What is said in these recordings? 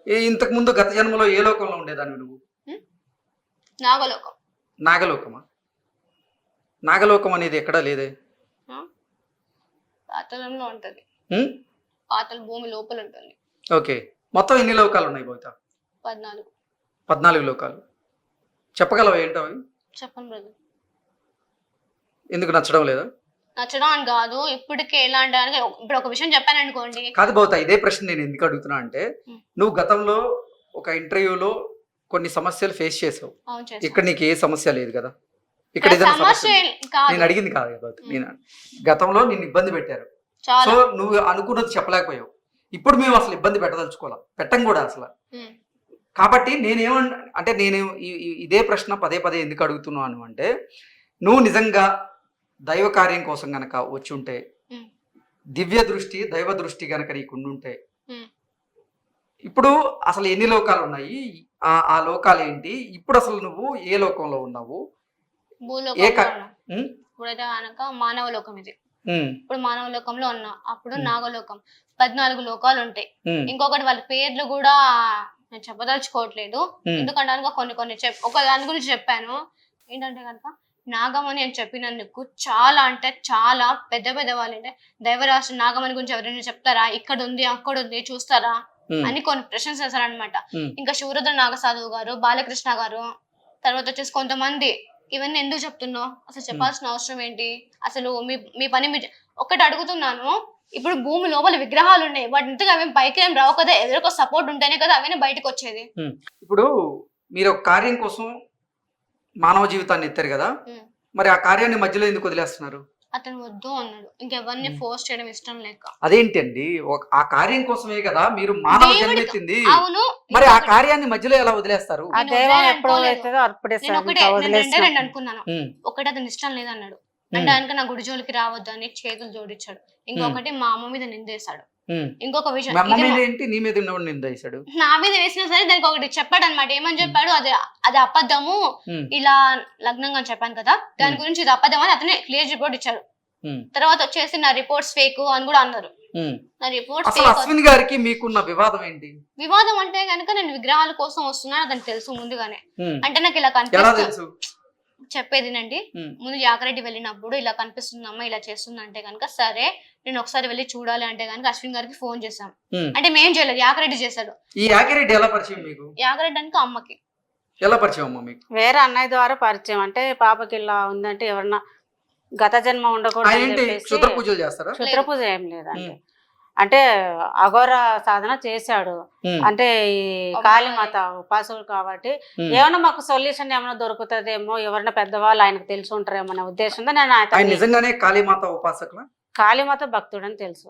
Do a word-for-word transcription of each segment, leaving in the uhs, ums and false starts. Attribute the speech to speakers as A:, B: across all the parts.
A: ఇంతకు ముందు గత జన్మలో ఏ లోకంలో ఉండేదాన్ని నువ్వు?
B: నాగలోకం.
A: నాగలోకమా? నాగలోకం అనేది ఎక్కడా లేదే.
B: పాతాళంలో ఉంటది. పాతాళ భూమి లోపల ఉంటుంది.
A: ఓకే, మొత్తం ఎన్ని లోకాలు ఉన్నాయి బహుశా?
B: పద్నాలుగు.
A: పద్నాలుగు లోకాలు చెప్పగలవా ఏంటో అవి?
B: చెప్పను బ్రదర్.
A: ఎందుకు నచ్చడం లేదా?
B: నచ్చడం అని కాదు, ఇప్పటికే ఎలా అంటే ఇప్పుడు ఒక విషయం చెప్పాను అనుకోండి.
A: కాదు బహుశా ఇదే ప్రశ్న నేను ఎందుకు అడుగుతున్నా అంటే, నువ్వు గతంలో ఒక ఇంటర్వ్యూలో కొన్ని సమస్యలు ఫేస్ చేసావు. ఇక్కడ నీకు ఏ సమస్య లేదు కదా? ఇక్కడ ఏదైనా సమస్య నేను అడిగింది కాదు కదా. నేను గతంలో నిన్ను ఇబ్బంది పెట్టారు, సో నువ్వు అనుకున్నది చెప్పలేకపోయావు. ఇప్పుడు మేము అసలు ఇబ్బంది పెట్టదలుచుకోవాలి, పెట్టం కూడా అసలు. కాబట్టి నేనేమన్ అంటే నేను ఇదే ప్రశ్న పదే పదే ఎందుకు అడుగుతున్నాను అంటే, నువ్వు నిజంగా దైవ కార్యం కోసం గనక వచ్చి ఉంటే, దివ్య దృష్టి దైవ దృష్టి గనక నీకు ఉండుంటే, ఇప్పుడు అసలు ఎన్ని లోకాలు ఉన్నాయి, ఆ లోకాలు ఏంటి, ఇప్పుడు అసలు నువ్వు ఏ లోకంలో ఉన్నావు?
B: ఇప్పుడైతే కనుక మానవ లోకం ఇది. ఇప్పుడు మానవ లోకంలో ఉన్నా, అప్పుడు నాగలోకం. పద్నాలుగు లోకాలు ఉంటాయి. ఇంకొకటి వాళ్ళ పేర్లు కూడా నేను చెప్పదలుచుకోవట్లేదు, ఎందుకంటే కొన్ని కొన్ని చెప్ ఒక దాని గురించి చెప్పాను. ఏంటంటే కనుక నాగమణి అని చెప్పినందుకు చాలా అంటే చాలా పెద్ద పెద్ద వాళ్ళు అంటే దైవరాశి నాగమణి గురించి ఎవరైనా చెప్తారా, ఇక్కడ ఉంది అక్కడ ఉంది చూస్తారా అని కొన్ని ప్రశ్నలు చేశారనమాట. ఇంకా శివరుద్ర నాగసాధువు గారు, బాలకృష్ణ గారు, తర్వాత వచ్చేసి కొంతమంది ఇవన్నీ ఎందుకు చెప్తున్నావు, అసలు చెప్పాల్సిన అవసరం ఏంటి, అసలు మీ మీ పని మీ ఒక్కటి అడుగుతున్నాను. ఇప్పుడు భూమి లోపల విగ్రహాలు ఉన్నాయి, వాటి ఇంతగా అవేం పైకి ఏం రావు కదా, ఎదురుకో సపోర్ట్ ఉంటేనే కదా అవన్నీ బయటకు వచ్చేది.
A: ఇప్పుడు మీరు ఒక కార్యం కోసం మానవ జీవితాన్ని ఎత్తారు కదా, మరి ఆ కార్యాన్ని మధ్యలో ఎందుకు వదిలేస్తున్నారు?
B: అతను వద్దు అన్నాడు, ఇంకెవరిని ఫోర్స్ చేయడం ఇష్టం లేక.
A: అదేంటండి, ఆ కార్యం కోసమే కదా మీరు మానవ జన్మెత్తింది.
B: అవును,
A: మరి ఆ కార్యాన్ని మధ్యలో ఎలా వదిలేస్తారు?
B: రెండు అనుకున్నాను. ఒకటి అతను ఇష్టం లేదన్నాడు, అంటే కనుక నా గుడి జోలికి రావద్దు అని చేతులు జోడించాడు. ఇంకొకటి మా అమ్మ మీద నిందేశాడు. ఇంకొక విషయం నా మీద వేసినా సరే దానికి ఒకటి చెప్పాడు అనమాట. ఏమని చెప్పాడు, అది అది అబద్ధము, ఇలా లగ్నంగా చెప్పాను కదా దాని గురించి ఇది అబద్ధం అని అతనే క్లియర్ రిపోర్ట్ ఇచ్చాడు. తర్వాత వచ్చేసి నా రిపోర్ట్స్ ఫేక్ అని కూడా అన్నారు. నా రిపోర్ట్స్
A: అశ్విన్ గారికి మీకున్న వివాదం ఏంటి?
B: వివాదం అంటే కనుక నేను విగ్రహాల కోసం వస్తున్నాను అతనికి తెలుసు ముందుగానే. అంటే నాకు ఇలా కనిపిస్తుంది, చెప్పేదినండి, ముందు యాకరెడ్డి వెళ్ళినప్పుడు ఇలా కనిపిస్తుందమ్మా ఇలా చేస్తుంది అంటే కనుక సరే నేను ఒకసారి వెళ్ళి చూడాలి అంటే కనుక అశ్విన్ గారికి ఫోన్ చేశాం. అంటే మేం చేయలేదు, యాకరెడ్డి చేశాడు.
A: ఈ యాకరెడ్డి ఎలా పరిచయం మీకు?
B: యాకరెడ్డి అంటే అమ్మకి
A: ఎలా పరిచయం అమ్మ మీకు?
C: వేరే అన్నయ్య ద్వారా పరిచయం. అంటే పాపకి ఇలా ఉందంటే ఎవరన్నా గత జన్మ ఉండకూడదు,
A: క్షుద్ర పూజలు చేస్తారా?
C: క్షుద్ర పూజ ఏం లేదండి, అంటే అఘోర సాధన చేశాడు. అంటే ఈ కాళీమాత ఉపాసకులు కాబట్టి ఏమన్నా మాకు సొల్యూషన్ ఏమైనా దొరుకుతుందేమో, ఎవరైనా పెద్దవాళ్ళు ఆయనకు తెలిసి ఉంటారేమో అనే ఉద్దేశంతో నేను
A: ఆయన నిజంగానే కాళీమాత ఉపాసకులా?
C: కాళీమాత భక్తుడు అని తెలుసు.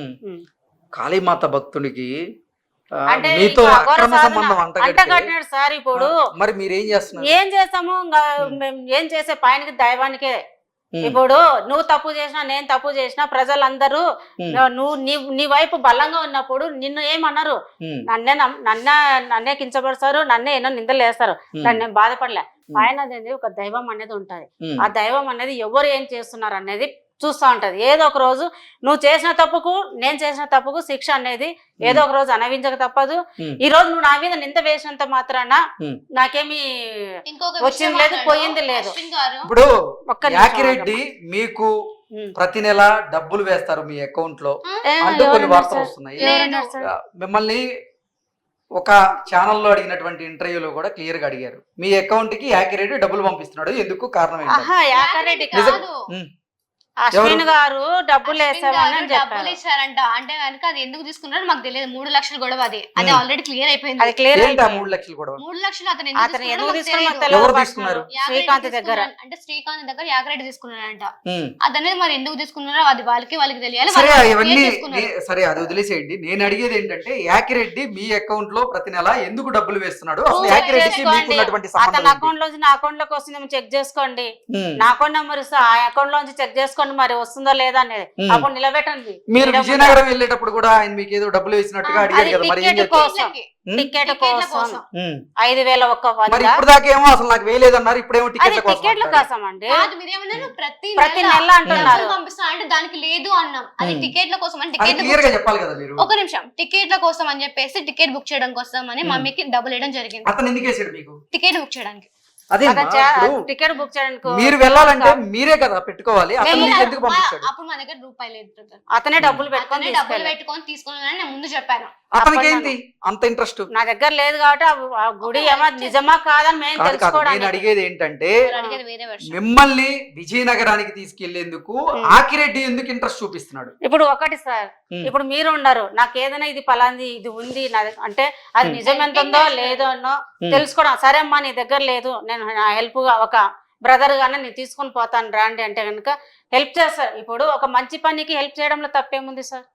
A: కాళీమాత భక్తుడికి
C: అంటే అంటగట్టినాడు సార్. ఇప్పుడు
A: మరి మీరేం చేస్తున్నారు?
C: ఏం చేస్తాము, ఏం చేసే పైనకి దైవానికే. ఇప్పుడు నువ్వు తప్పు చేసినా నేను తప్పు చేసినా ప్రజలందరూ నువ్వు నీ నీ వైపు బలంగా ఉన్నప్పుడు నిన్ను ఏమన్నారు, నన్నే నన్నే నన్నే కించపరుస్తారు, నన్నే ఎన్నో నిందలు వేస్తారు, నన్ను బాధపడలే. ఆయన అనేది ఒక దైవం అనేది ఉంటది. ఆ దైవం అనేది ఎవరు ఏం చేస్తున్నారు అనేది చూస్తూ ఉంటది. ఏదో ఒక రోజు నువ్వు చేసిన తప్పుకు నేను చేసిన తప్పుకు శిక్ష అనేది ఏదో ఒక రోజు అనుభవించక తప్పదు. ఈ రోజు నువ్వు నా మీద నింద వేసినంత మాత్రాన నాకేమి వచ్చింది లేదు పోయింది లేదు.
A: ఇప్పుడు యాకిరెడ్డి మీకు ప్రతి నెల డబ్బులు వేస్తారు మీ అకౌంట్ లో అంటూ కొన్ని వార్తలు వస్తున్నాయి. మిమ్మల్ని ఒక ఛానల్లో అడిగినటువంటి ఇంటర్వ్యూలో కూడా క్లియర్ గా అడిగారు, మీ అకౌంట్ కి యాకిరెడ్డి డబ్బులు పంపిస్తున్నాడు, ఎందుకు కారణం ఏంటి?
C: అశ్విన్ గారు డబ్బులు వేసామని
B: డబ్బులు ఇచ్చారంట. అంటే కనుక అది ఎందుకు తీసుకున్నారో మాకు తెలియదు. మూడు లక్షలు గొడవ అది అది ఆల్రెడీ క్లియర్ అయిపోయింది.
C: అది క్లియర్
A: మూడు లక్షలు గొడవ
B: మూడు లక్షలు అతను
C: అతను ఎందుకు
A: తీసుకున్నారు?
C: శ్రీకాంత్ దగ్గర,
B: అంటే శ్రీకాంత్ దగ్గర యాకరెడ్డి తీసుకున్నారంట. అదనేది మరి ఎందుకు తీసుకున్నారో అది వాళ్ళకి వాళ్ళకి తెలియాలి.
A: సరే అది వదిలేసేయండి. నేను అడిగేది ఏంటంటే యాకిరెడ్డి మీ అకౌంట్ లో ప్రతి నెల ఎందుకు డబ్బులు వేస్తున్నాడు?
C: అతని అకౌంట్ లోంచి నా అకౌంట్ లోకి వస్తుంది చెక్ చేసుకోండి. నా అకౌంట్ నెంబర్ ఇస్తా, ఆ అకౌంట్ లోంచి చెక్ చేసుకోండి. చూసుకోండి మరి వస్తుందో లేదా అనేది అప్పుడు నిలబెట్టండి.
A: మీరు విజయనగరం వెళ్ళేటప్పుడు కూడా ఆయన మీకు ఏదో డబ్బులు వేసినట్టుగా అడిగారు కదా, మరి ఏం
C: టికెట్ కోసం టికెట్ కోసం ఐదు వేల ఒక్క వంద.
A: ఇప్పుడు దాకేమో అసలు నాకు వేయలేదన్నారు, ఇప్పుడేమో
C: అది
A: టికెట్ల
C: టికెట్ల కోసం అండి.
B: ప్రతి
C: ప్రతి నెల అంటున్నారు
B: పంపిస్తా అంటే దానికి లేదు అన్నాం. అది టికెట్ల కోసం అని
A: అది
B: టికెట్
A: క్లియర్ గా చెప్పాలి కదా మీరు.
B: ఒక నిమిషం, టికెట్ల కోసం అని చెప్పేసి టికెట్ బుక్ చేయడం కోసం అని మమ్మీకి డబ్బులు వేయడం జరిగింది.
A: అతను ఎందుకు వేసాడు మీకు
B: టికెట్ బుక్ చేయడానికి?
A: అదే
C: టికెట్ బుక్ చేయడానికి
A: మీరు వెళ్ళాలంటే మీరే కదా పెట్టుకోవాలి, అతను మీకు ఎందుకు పంపించాడు?
B: అప్పుడు మా దగ్గర రూపాయలు లేదు,
C: అతనే డబ్బులు పెట్టుకొని
B: డబ్బులు పెట్టుకొని తీసుకున్నానని నేను ముందు చెప్పాను.
A: అతనికి ఏంటి అంత ఇంట్రెస్ట్?
C: నా దగ్గర లేదు కాబట్టి ఆ గుడి ఏమో నిజమా కాదని మేము
A: నేను
C: తెలుసుకోవడానికి.
A: అడిగేది ఏంటంటే
B: అడిగేది వేరే వర్షం.
A: మిమ్మల్ని విజయనగరానికి తీసుకెళ్లేందుకు ఆకిరెడ్డి ఎందుకు ఇంట్రెస్ట్ చూపిస్తున్నాడు?
C: ఇప్పుడు ఒకటి సార్, ఇప్పుడు మీరు ఉన్నారు, నాకు ఏదైనా ఇది పలాంది ఇది ఉంది నా దగ్గర అంటే అది నిజం ఎంత ఉందో లేదో అన్నో తెలుసుకోవడం. సరే అమ్మా నీ దగ్గర లేదు, నేను నా హెల్ప్ ఒక బ్రదర్ గానే నేను తీసుకొని పోతాను రాండి అంటే కనుక హెల్ప్ చేస్తారు. ఇప్పుడు ఒక మంచి పనికి హెల్ప్ చేయడంలో తప్పేముంది సార్?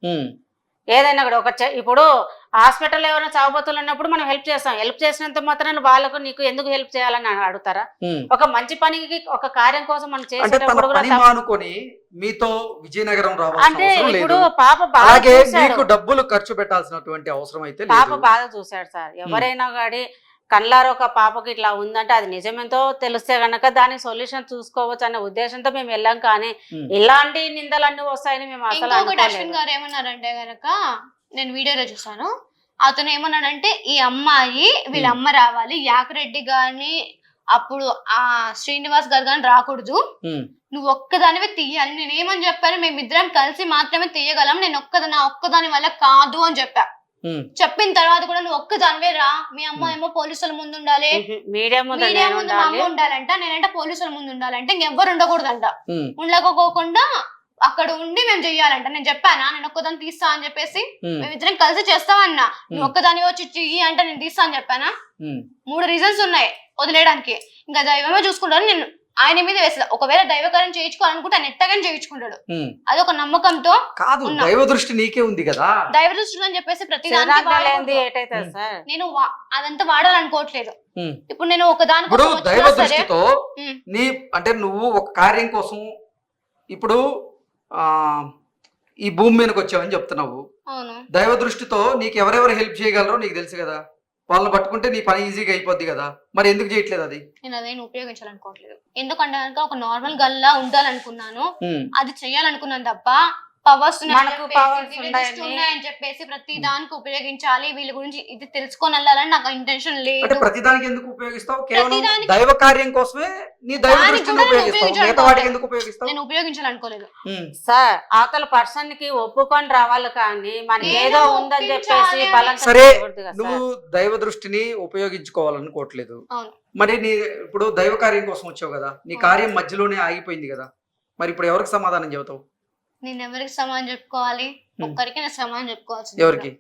C: ఏదైనా కూడా ఒక ఇప్పుడు హాస్పిటల్ ఎవరైనా చావబోతులు ఉన్నప్పుడు మనం హెల్ప్ చేస్తాం. హెల్ప్ చేసినంత మాత్రాన వాళ్ళకు నీకు ఎందుకు హెల్ప్ చేయాలని అడుగుతారా? ఒక మంచి పనికి ఒక కార్యం కోసం మనం చేసేటప్పుడు కూడా
A: మీతో విజయనగరం
C: అంటే ఇప్పుడు పాప
A: అలాగే మీకు డబ్బులు ఖర్చు పెట్టాల్సినటువంటి అవసరం అయితే
C: పాప బాధ చూశాడు సార్. ఎవరైనా కానీ కళ్ళారు ఒక పాపకి ఇట్లా ఉందంటే అది నిజమేంతో తెలిస్తే గనక దానికి సొల్యూషన్ చూసుకోవచ్చు అనే ఉద్దేశంతో మేము వెళ్ళాం. కానీ ఇలాంటి నిందలన్నీ వస్తాయని మేము అసలు
B: అశ్విన్ గారు ఏమన్నారంటే గనక నేను వీడియోలో చూసాను, అతను ఏమన్నాడంటే ఈ అమ్మాయి వీళ్ళ అమ్మ రావాలి, యాకిరెడ్డి గారిని అప్పుడు ఆ శ్రీనివాస్ గారు కానీ రాకూడదు, నువ్వు ఒక్కదానివే తీయాలి. నేను ఏమని చెప్పాను, మేమిద్దరం కలిసి మాత్రమే తీయగలం, నేను ఒక్కదాని నా ఒక్కదాని వల్ల కాదు అని చెప్పా. చెప్పిన తర్వాత కూడా నువ్వు ఒక్కదానివే రా, మీ అమ్మ ఏమో పోలీసుల ముందు ఉండాలి, మీడియా ముందు మా అమ్మ ఉండాలంట, నేనంటే పోలీసుల ముందు ఉండాలంటే ఇంకెవ్వరు ఉండకూడదంట. ఉండకపోకుండా అక్కడ ఉండి మేము చెయ్యాలంట. నేను చెప్పానా నేను ఒక్కదాన్ని తీస్తా అని చెప్పేసి, మేమిద్దరం కలిసి చేస్తామన్నా. నువ్వు ఒక్కదాని వచ్చి చెయ్యి అంటే నేను తీస్తా అని చెప్పానా? మూడు రీజన్స్ ఉన్నాయి వదిలేయడానికి. ఇంకా దైవమే చూసుకుంటాను, నేను ఆయన మీద వేస్తా. ఒకవేళ దైవకార్యం చేయించుకోవాలనుకుంటే ఆయన ఎట్టగానే చేయించుకుంటాడు. అది ఒక నమ్మకంతో
A: కాదు, దైవ దృష్టి నీకే ఉంది కదా.
B: దైవ దృష్టి అని చెప్పేసి ప్రతి నేను అదంతా వాడాలనుకోవట్లేదు. ఇప్పుడు నేను ఒక దాని
A: దైవ దృష్టితో నీ అంటే నువ్వు ఒక కార్యం కోసం ఇప్పుడు ఆ ఈ భూమి మీదకి వచ్చావని చెప్తున్నావు. దైవ దృష్టితో నీకు ఎవరెవరు హెల్ప్ చేయగలరో నీకు తెలుసు కదా, వాళ్ళని పట్టుకుంటే నీ పని ఈజీగా అయిపోద్ది కదా, మరి ఎందుకు చేయట్లేదు? అది
B: నేను అదేం ఉపయోగించాలనుకోవట్లేదు. ఎందుకంటే కనుక ఒక నార్మల్ గల్లా ఉండాలనుకున్నాను, అది చెయ్యాలనుకున్నాను తప్ప పవర్స్ ఉన్నాయని చెప్పేసి ప్రతి దానికి ఉపయోగించాలి, వీళ్ళ గురించి ఇది తెలుసుకొని వెళ్ళాలని నాకు ఇంటెన్షన్ లేదు.
A: ప్రతి దానికి ఎందుకు ఉపయోగిస్తావు? కేవలం దైవ కార్యం కోసమే నీ దైవ దృష్టిని ఉపయోగిస్తావు, మిగతా వాటికి ఎందుకు ఉపయోగిస్తావు?
B: నేను ఉపయోగించాలనుకోలేదు
C: సార్. అవతల పర్సన్ కి ఒప్పుకొని రావాలి, కానీ మనకి ఏదో ఉందని చెప్పేసి
A: సరే నువ్వు దైవ దృష్టిని ఉపయోగించుకోవాలనుకోవట్లేదు, మరి నీ ఇప్పుడు దైవ కార్యం కోసం వచ్చావు కదా, నీ కార్యం మధ్యలోనే ఆగిపోయింది కదా, మరి ఇప్పుడు ఎవరికి సమాధానం చెబుతావు?
B: నేను ఎవరికి సమాధానం చెప్పుకోవాలి? ఒక్కరికి నేను సమాధానం చెప్పుకోవాల్సింది.
A: ఎవరికి?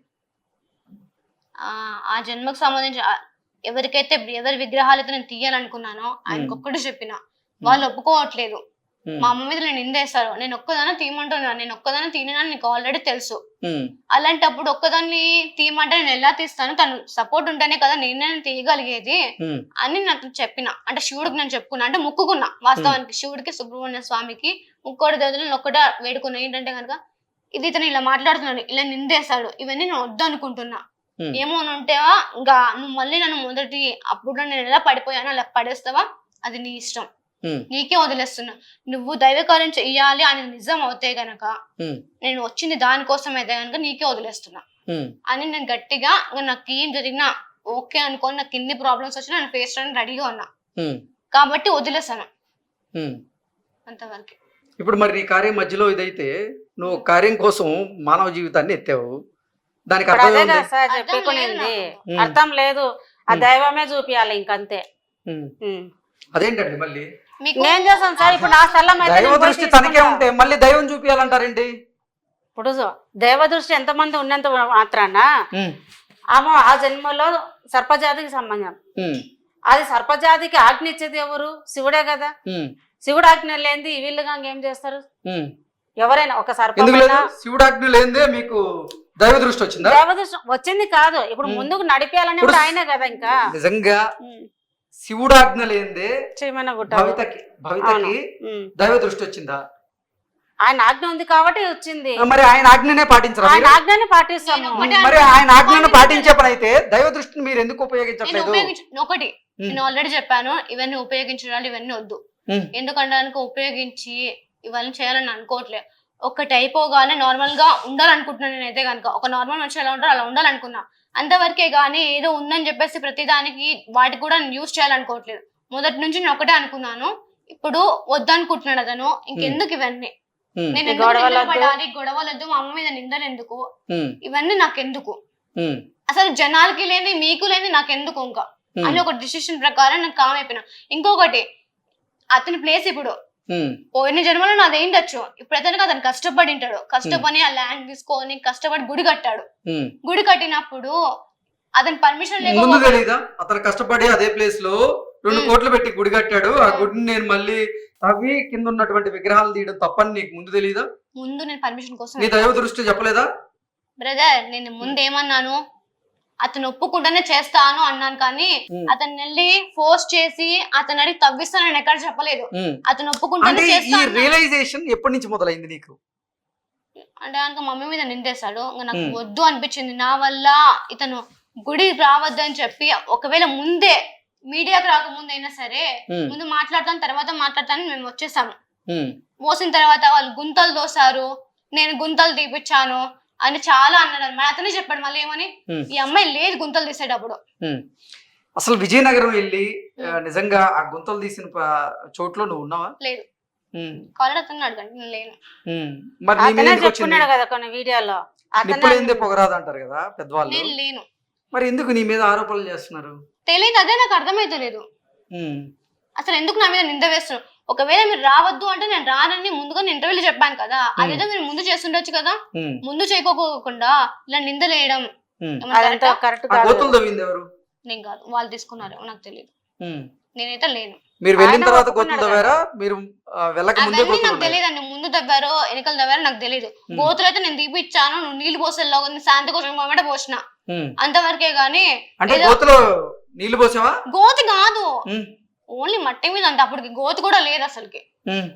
B: ఆ జన్మకు సంబంధించి ఎవరికైతే ఎవరి విగ్రహాలతో నేను తీయాలనుకున్నానో ఆయనకు ఒక్కటి చెప్పిన, వాళ్ళు ఒప్పుకోవట్లేదు. మా అమ్మ మీద నేను నిందేస్తారు, నేను ఒక్కదాన్ని తీయమంటున్నా, నేను ఒక్కదాన్ని తీయనని నీకు ఆల్రెడీ తెలుసు. అలాంటప్పుడు ఒక్కదాన్ని తీయమంటే నేను ఎలా తీస్తాను? తను సపోర్ట్ ఉంటేనే కదా నేనే తీయగలిగేది అని నాకు చెప్పిన. అంటే శివుడికి నేను చెప్పుకున్నా, అంటే మొక్కుకున్నా. వాస్తవానికి శివుడికి, సుబ్రహ్మణ్య స్వామికి, ముక్కోటి దేవతలను ఒక్కటే వేడుకున్నా. ఏంటంటే కనుక ఇది ఇతను ఇలా మాట్లాడుతున్నాడు, ఇలా నిందేస్తాడు, ఇవన్నీ నేను వద్దు అనుకుంటున్నా. ఏమో ఉంటేవా ఇంకా నువ్వు మళ్ళీ నన్ను మొదటి అప్పుడు నేను ఎలా పడిపోయానో అలా పడేస్తావా, అది నీ ఇష్టం, నీకే వదిలేస్తున్నా. నువ్వు దైవకార్యం చెయ్యాలి అని నిజం అవుతే గనక, నేను వచ్చింది దానికోసం అయితే గనక నీకే వదిలేస్తున్నా అని నేను గట్టిగా, నాకు ఏం జరిగినా ఓకే అనుకోని, నాకు ఎన్ని ప్రాబ్లమ్స్ వచ్చినా నేను ఫేస్ చేయడానికి రెడీగా ఉన్నా కాబట్టి వదిలేసాను అంతవరకు.
A: ఇప్పుడు మరి నీ కార్యం మధ్యలో ఇదైతే నువ్వు కార్యం కోసం మానవ జీవితాన్ని ఎత్తావు, దానికి
C: చెప్పుకునేది అర్థం లేదు. ఆ దైవమే చూపియాలి ఇంకంతే.
A: అదేంటండి మళ్ళీ
C: నేను చేస్తాను సార్. ఇప్పుడు నా స్థలం
A: దైవ దృష్టి తనకే ఉంటే మళ్ళీ దైవం చూపియాలంటారేంటి?
C: ఇప్పుడు దైవ దృష్టి ఎంత మంది ఉన్నంత మాత్రాన ఆమె ఆ జన్మలో సర్పజాతికి సంబంధం. అది సర్పజాతికి ఆజ్ఞ ఇచ్చేది ఎవరు? శివుడే కదా. శివుడు ఆజ్ఞ లేనిది వీళ్ళుగా ఏం చేస్తారు? ఎవరైనా ఒక సర్ప
A: శివుడు ఆజ్ఞ లేనిదే మీకు దైవ దృష్టి వచ్చిందా?
C: దైవ దృష్టి వచ్చింది కాదు, ఇప్పుడు ముందుకు నడిపేయాలని ఆయనే కదా. ఇంకా
A: నిజంగా శివుడు ఆజ్ఞ లేనిదే భవితకి భవితకి దైవ దృష్టి వచ్చిందా?
C: ఆయన ఆజ్ఞ ఉంది కాబట్టి వచ్చింది.
A: మరి ఆయన ఆజ్ఞనే పాటించరా
C: ఆయన
A: మీరు?
C: ఆజ్ఞని పాటిస్తాము.
B: నేను ఒకటే
A: మరి ఆయన ఆజ్ఞను పాటించే పని అయితే దైవ దృష్టిని మీరు ఎందుకు
B: నేను
A: ఉపయోగించట్లేదు?
B: ఉపయోగించ ఒకటి నేను ఆల్రెడీ చెప్పాను, ఇవన్నీ ఉపయోగించడాలు ఇవన్నీ వద్దు.
A: ఉమ్,
B: ఎందుకంటే కనుక ఉపయోగించి ఇవన్నీ చేయాలని అనుకోవట్లేదు. ఒకటి అయిపోగానే నార్మల్ గా ఉండాలనుకుంటున్నాను నేనైతే కనుక. ఒక నార్మల్ మనిషి ఎలా ఉంటారో అలా ఉండాలనుకున్నా, అంతవరకే గానీ ఏదో ఉందని చెప్పేసి ప్రతిదానికి వాటికి కూడా నేను యూజ్ చేయాలనుకోవట్లేదు. మొదటి నుంచి నేను ఒకటే అనుకున్నాను, ఇప్పుడు వద్దనుకుంటున్నాడు అతను, ఇంకెందుకు ఇవన్నీ
A: ఉమ్,
B: నేను ఎందుకు
C: గొడవలు
B: నిందలు
C: వద్దు.
B: పడాలి, గొడవలొద్దు, మా అమ్మ మీద నిందలు ఎందుకు,
A: ఉమ్,
B: ఇవన్నీ నాకెందుకు,
A: ఉమ్,
B: అసలు జనాలకి లేని మీకు లేని నాకెందుకు ఇంకా
A: ఉమ్,
B: అని ఒక డిసిషన్ ప్రకారం నాకు కామ్ అయిపోయినా. ఇంకొకటి, అతని ప్లేస్ ఇప్పుడు
A: ఉమ్,
B: పోయిన జన్మలో నాది అయిండొచ్చు, ఇప్పుడు అతనికి అతను కష్టపడి ఉంటాడు, కష్టపడి ఆ ల్యాండ్ తీసుకొని కష్టపడి గుడి కట్టాడు.
A: ఉమ్.
B: గుడి కట్టినప్పుడు అతని పర్మిషన్
A: ముందు
B: లేకపోతే
A: తెలీదా అతను కష్టపడి అదే ప్లేస్ లో రెండు
B: ఉమ్.
A: కోట్లు పెట్టి గుడి కట్టాడు, ఆ గుడిని నేను మళ్ళీ తవ్వి కింద ఉన్నటువంటి విగ్రహాలు తీయడం తప్పని నీకు ముందు తెలీదా?
B: ముందు నేను పర్మిషన్ కోసం
A: నీ దైవ దృష్టి చెప్పలేదా?
B: బ్రదర్, నేను ముందు ఏమన్నాను, అతను ఒప్పుకుంటేనే చేస్తాను అన్నాను, కానీ
A: ఉమ్,
B: అతను వెళ్ళి ఫోర్స్ చేసి అతను అడిగి తవ్విస్తాను నేను ఎక్కడ చెప్పలేదు.
A: ఉమ్.
B: అతను ఒప్పుకుంటేనే
A: అంటే ఈ
B: చేస్తాను
A: రియలైజేషన్ ఎప్పటి నుంచి మొదలైంది నీకు?
B: అంటే కనుక మమ్మీ మీద నిందేశాడు. ఇంకా నాకు
A: ఉమ్.
B: వద్దు అనిపించింది. నా వల్ల ఇతను గుడి రావద్దు అని చెప్పి, ఒకవేళ ముందే మీడియాకి రాకముందు అయినా సరే
A: ఉమ్,
B: ముందు మాట్లాడతాను తర్వాత మాట్లాడతాను మేము వచ్చేసాము.
A: ఉమ్,
B: మోసిన తర్వాత వాళ్ళు గుంతలు దోసారు, నేను గుంతలు తీపిచ్చాను అని చాలా అన్నాడు అనమాట. అతనే చెప్పాడు మళ్ళీ ఏమని,
A: ఉమ్,
B: ఈ అమ్మాయి లేదు గుంతలు తీసేటప్పుడు.
A: ఉమ్. అసలు విజయనగరం వెళ్ళి ఆ, నిజంగా ఆ గుంతలు తీసిన ప- చోట్లో నువ్వు ఉన్నావా?
B: లేదు,
A: ఉమ్,
B: కాలేజ్ అతను అడగండి, నేను లేను.
A: ఉమ్. మరి నీ మీద
C: అతనే
A: ఎందుకు వచ్చింది?
C: చెప్పుకున్నాడు కదా కొన్ని వీడియోలో.
A: నిప్పులు ఏందే
C: అతనే
A: పొగరాదు అంటారు కదా పెద్దవాళ్ళు.
B: నేను లేను,
A: మరి ఎందుకు నీ మీద ఆరోపణలు చేస్తున్నారు?
B: తెలియదు, అదే నాకు అర్థమైతలేదు.
A: ఉమ్,
B: అసలు ఎందుకు నా మీద నింద వేస్తున్నారు? ఒకవేళ మీరు రావద్దు అంటే నేను రానని ముందుగా నేను ఇంటర్వ్యూలో చెప్పాను కదా, అదేదో మీరు ముందు చేస్తుండొచ్చు కదా.
A: ఉమ్,
B: ముందు చేయకోకుండా ఇలా నిందలేయడం
A: ఉమ్.
B: ఏమన్నా
C: అదంతా
B: correct ఆ?
C: కరెక్ట్
A: ఆ
C: కాదు.
A: గోతులు తవ్వింది ఎవరు?
B: నేను కాదు, వాళ్ళు తీసుకున్నారు, నాకు తెలియదు,
A: ఉమ్.
B: నేనైతే లేను.
A: మీరు వెళ్ళిన
C: ఆయన
A: తర్వాత గోతులు
C: ఒప్పుకున్నాడు
A: తవ్వారా? మీరు ఆ, వెళ్ళక ముందే
B: అవన్నీ
A: గోతులు
B: నాకు
A: ఉన్నాయి?
B: తెలియదండి, ముందు తవ్వారో వెనకలు తవ్వారో నాకు తెలియదు.
A: ఉమ్,
B: గోతులు అయితే నేను తీపిచ్చాను, నువ్వు నీళ్లు పోసేలో శాంతి కోసం మొదట పోసిన,
A: ఉమ్.
B: అంతవరకే గానీ
A: అంటే
B: ఏదో-
A: గోతులో నీళ్లు పోసావా?
B: గోతి కాదు,
A: ఉమ్,
B: ఓన్లీ మట్టి మీద అంత, అప్పటికి గోతి కూడా లేదు అసలుకి.
A: ఉమ్,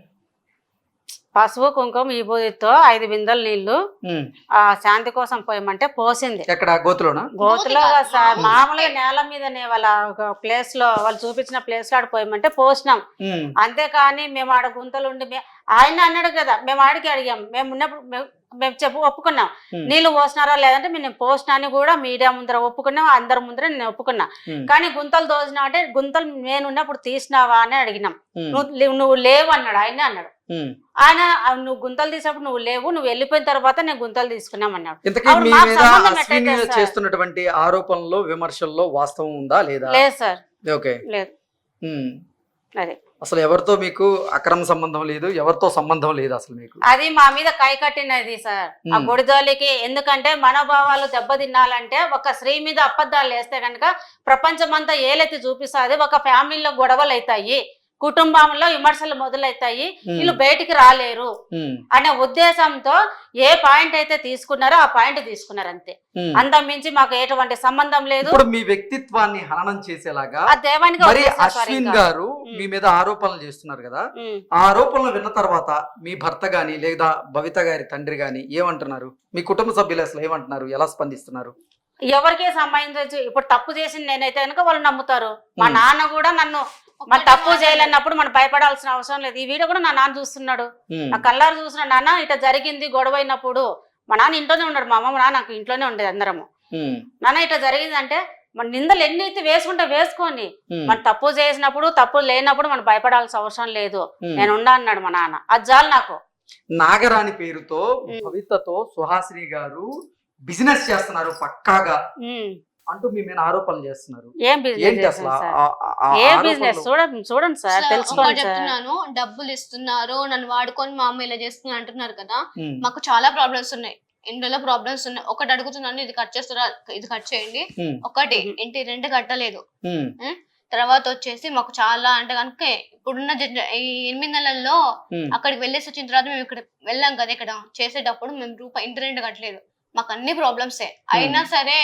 C: పసుపు కుంకుమ ఈ బూదితో ఐదు బిందెలు నీళ్లు
A: ఉమ్.
C: ఆ శాంతి కోసం పోయమంటే పోసింది.
A: ఎక్కడ గోతులోనా?
C: గోతులో
B: గోతి కాదు,
C: సార్
B: మామూలు
C: మామూలుగా నేల మీదనే వాళ్ళ ఒక ప్లేస్ లో వాళ్ళు చూపించిన ప్లేస్ లో ఆడ పోయమంటే పోసినాం.
A: ఉమ్,
C: అంతేకాని మేము ఆడ గుంతలు ఉండి మే- ఆయన అన్నాడు కదా, మేము ఆడికి అడిగాం, మేము ఉన్నప్పుడు మేము- మేము చెప్పు ఒప్పుకున్నాం
A: ఉమ్,
C: నీళ్లు పోసినారా లేదంటే మేము పోసినా అని కూడా మీడియా ముందర ఒప్పుకున్నాం, అందరి ముందర నేను ఒప్పుకున్నా.
A: ఉమ్,
C: కానీ గుంతలు దోసినా అంటే గుంతలు నేను ఉన్నప్పుడు తీసినావా అని అడిగినాం.
A: ఉమ్,
C: నువ్వు లే- నువ్వు లేవు అన్నాడు ఆయన అన్నాడు.
A: ఉమ్.
C: ఆయన "ఆ, నువ్వు గుంతలు తీసినప్పుడు నువ్వు లేవు, నువ్వు వెళ్ళిపోయిన తర్వాత నేను గుంతలు తీసుకున్నాం అన్నాడు.
A: ఇంతకీ
C: అప్పుడు
A: మీ
C: మాకు
A: మీద
C: సంబంధం
A: అశ్విని
C: ఎట్టయితే సార్?
A: చేస్తున్నటువంటి ఆరోపణల్లో విమర్శల్లో వాస్తవం ఉందా లేదా?
C: లేదు సార్,
A: ఓకే.
C: లేదు.
A: ఉమ్.
C: అదే
A: అసలు ఎవరితో మీకు అక్రమ సంబంధం లేదు, ఎవరితో సంబంధం లేదు అసలు మీకు?
C: అది మా మీద కై కట్టినది సార్ ఆ
A: ఉమ్.
C: గుడిజోలికి. ఎందుకంటే మనోభావాలు దెబ్బతిన్నాలంటే ఒక స్త్రీ మీద అబద్ధాలు వేస్తే కనుక ప్రపంచం అంతా ఏలెత్తి చూపిస్తుంది. ఒక ఫ్యామిలీలో గొడవలు అవుతాయి, కుటుంబంలో విమర్శలు మొదలవుతాయి,
A: ఉమ్,
C: వీళ్ళు బయటికి రాలేరు
A: ఉమ్,
C: అనే ఉద్దేశంతో ఏ పాయింట్ అయితే తీసుకున్నారో ఆ పాయింట్ తీసుకున్నారు అంతే.
A: ఉమ్.
C: అంత మించి మాకు ఎటువంటి సంబంధం లేదు.
A: ఇప్పుడు మీ వ్యక్తిత్వాన్ని హననం చేసేలాగా
C: ఆ దేవానికి
A: మరి
C: వదిలేశారు సార్
A: అశ్విన్
C: ఇంకా.
A: గారు
C: ఉమ్.
A: మీ మీద ఆరోపణలు చేస్తున్నారు కదా,
C: ఉమ్.
A: ఆ ఆరోపణలు విన్న తర్వాత మీ భర్త గాని లేదా భవిత గారి తండ్రి గాని ఏమంటున్నారు? మీ కుటుంబ సభ్యులు అసలు ఏమంటున్నారు? ఎలా స్పందిస్తున్నారు?
C: ఎవరికే సంబంధించవచ్చు. ఇప్పుడు తప్పు చేసింది నేనైతే కనుక వాళ్ళు నమ్ముతారు. మా
A: ఉమ్.
C: నాన్న కూడా నన్ను మన
B: ఒక్కటే
C: తప్పు
B: మాట
C: చేయలేనప్పుడు మనం భయపడాల్సిన అవసరం లేదు. ఈ వీడియో కూడా నా నాన్న చూస్తున్నాడు,
A: ఉమ్,
C: నా కళ్ళారు చూసిన నాన్న ఇట్లా జరిగింది గొడవ అయినప్పుడు. మా నాన్న ఇంట్లోనే ఉన్నాడు, మా అమ్మ మా నాన్న నాకు ఇంట్లోనే ఉండేది అందరము.
A: ఉమ్,
C: నాన్న ఇట్లా జరిగింది అంటే మన నిందలు ఎన్ని అయితే వేసుకుంటే వేసుకోండి,
A: ఉమ్,
C: మన తప్పు చేసినప్పుడు తప్పు లేనప్పుడు మనం భయపడాల్సిన అవసరం లేదు,
A: ఉమ్.
C: నేను ఉండా అన్నాడు మా నాన్న. అది చాలు నాకు.
A: నాగరాణి పేరుతో
C: ఉమ్.
A: భవితతో సుహాసిని గారు బిజినెస్ చేస్తున్నారు పక్కాగా
C: ఉమ్.
A: అంటూ మీ మీద ఆరోపణలు చేస్తున్నారు.
C: ఏం బిజినెస్
A: ఏంటి అసలు
C: చేస్తాను సార్?
A: ఆ- ఆ- ఆ
C: ఏ
A: ఆరోపణలు?
C: బిజినెస్ చూడండి చూడండి సార్,
B: సార్, ఒకటి
C: తెలుసుకోండి సార్.
B: చెప్తున్నాను, డబ్బులు ఇస్తున్నారు, నన్ను వాడుకొని మా అమ్మ ఇలా చేస్తున్నా అంటున్నారు కదా.
A: ఉమ్,
B: మాకు చాలా ప్రాబ్లమ్స్ ఉన్నాయి, ఇంట్లో ప్రాబ్లమ్స్ ఉన్నాయి. ఒకటి అడుగుతున్నాను, ఇది కట్ చేస్తారా, ఇది కట్ చేయండి.
A: ఉమ్,
B: ఒకటి
C: ఉమ్.
B: ఇంటి రెంట్ కట్టలేదు.
A: ఉమ్,
B: తర్వాత వచ్చేసి మాకు చాలా అంటే కనుక ఇప్పుడున్న జన- ఈ ఎనిమిది నెలల్లో
A: ఉమ్,
B: అక్కడికి వెళ్ళేసి వచ్చిన తర్వాత మేము ఇక్కడ వెళ్ళాం కదా, ఇక్కడ చేసేటప్పుడు మేము రూపాయి ఇంటి రెంట్ కట్టలేదు. మాకు అన్ని ప్రాబ్లమ్సే అయినా సరే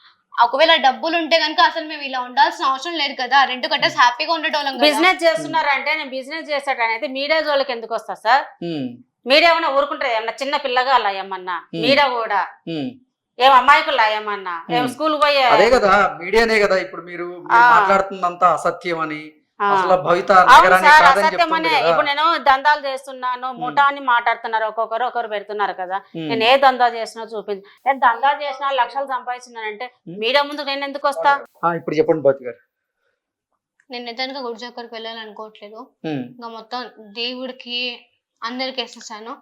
B: ఒకవేళ డబ్బులు ఉంటే కనుక అసలు మేము ఇలా ఉండాల్సిన అవసరం లేదు కదా, రెంట్ కట్టేసి హ్యాపీగా ఉండేటోళ్ళం కదా.
C: బిజినెస్ చేస్తున్నారంటే నేను బిజినెస్ చేసేటనైతే మీడియా జోలికి ఎందుకు వస్తా సార్?
A: ఉమ్,
C: మీడియా ఏమన్నా ఊరుకుంటారు ఏమన్నా చిన్న పిల్లగా అలా ఏమన్నా
A: ఉమ్.
C: మీడియా కూడా
A: ఉమ్.
C: ఏం అమ్మాయికులా ఏమన్నా ఏం
A: ఉమ్.
C: స్కూల్ పోయే
A: అదే కదా మీడియానే కదా ఇప్పుడు మీరు మీరు
C: ఆ.
A: మాట్లాడుతుందంతా అసత్యం అని
C: ఆ.
A: అసలు భవిత
C: అవును
A: నగరాన్ని
C: సార్
A: కాదని
C: అసత్యం
A: చెప్తుంది
C: అనే
A: కదా
C: ఇప్పుడు నేను దందాలు చేస్తున్నాను ముఠా అని మాట్లాడుతున్నారు ఒక్కొక్కరు ఒకరు పెడుతున్నారు కదా
A: ఉమ్.
C: నేను ఏ దందా చేసినా చూపించు నేను దందా చేసినా లక్షలు సంపాదించినానంటే
A: ఉమ్.
C: మీడియా ముందు నేను ఎందుకు వస్తా
A: ఆ, ఇప్పుడు చెప్పండి భౌతి గారు
B: నేను నిజంగా గుడి చక్కరికి వెళ్ళాలనుకోవట్లేదు
A: ఉమ్.
B: ఇంకా మొత్తం దేవుడికి అందరికి వేసేసాను